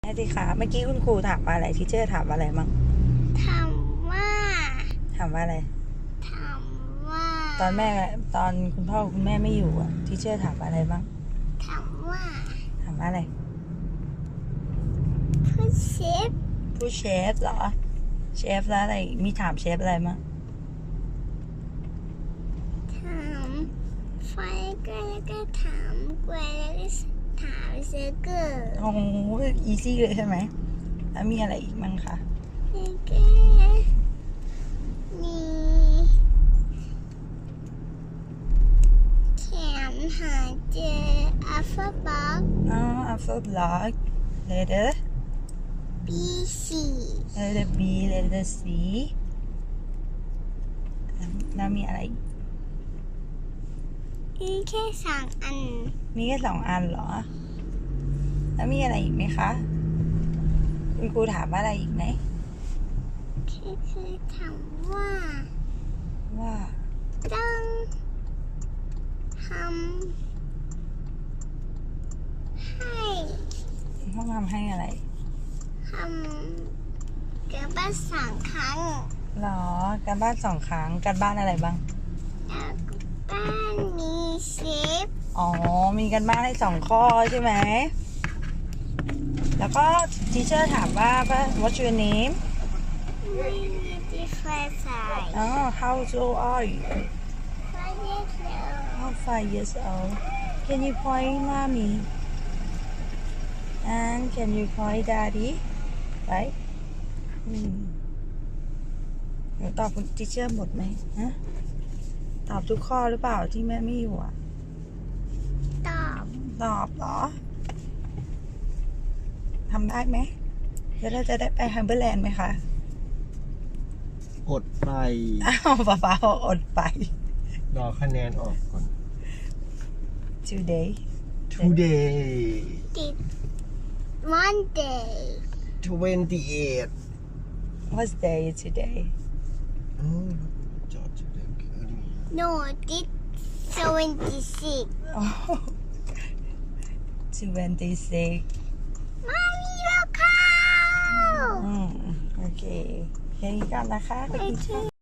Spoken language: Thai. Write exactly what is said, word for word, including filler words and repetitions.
สิคะเมื่อกี้คุณครูถามว่าอะไรทีเชอร์ถามว่าอะไรมั่งถามว่าถามว่าอะไรถามว่าตอนแม่ตอนคุณพ่อคุณแม่ไม่อยู่อ่ะทีเชอร์ถามว่าอะไรบ้างถามว่าถามว่าอะไรผู้เชฟผู้เชฟเหรอเชฟแล้วอะไรมีถามเชฟอะไรมั่งถามไฟเกอร์แล้วก็ถามกวยแล้วก็ถามเซอร์เกอร์โอ้โหอีซี่เลยใช่ไหมแล้วมีอะไรอีกมั่งคะแล้วก็มีแถมหาเจออัลฟาบ็อกอ๋อ alpha block letter บีซี letter B letter C แล้วมีอะไรอีกมีแค่สองอันมีแค่สองอันเหรอแล้วมีอะไรอีกไหมคะคุณครูถามว่าอะไรอีกไหมคือคือถามว่าว่าต้องทำให้ต้องทำให้อะไรทำการบ้านสองครั้งหรอการบ้านสองครั้งการบ้านอะไรบ้างการบ้านมีเชฟอ๋อมีการบ้านให้สองข้อใช่ไหมแล้วก็ทีเชอร์ถามว่า what's your name ไม่มีที่ไฟใส่อ๋อ how old are you ไฟเยอะแล้ว how five years old can you point mommy and can you point daddy right อืมหนูตอบคุณทีเชอร์หมดไหมฮะตอบทุกข้อหรือเปล่าที่แม่ไม่อยู่อ่ะตอบตอบเหรอทำได้ไหมแล้วเราจะได้ไปฮัมเบอร์แลนด์ไหมคะอดไปอ้าวป๊าป๊าบอกอดไปรอคะแนนออกก่อน today today ติด Monday twenty-eight what's day today อ๋อจอดจะได้คืน no ติด seventy-six twenty-six มามีแล้วค่ะอืมโอเคแค่นี้ก่อนนะคะขอบคุณค่ะ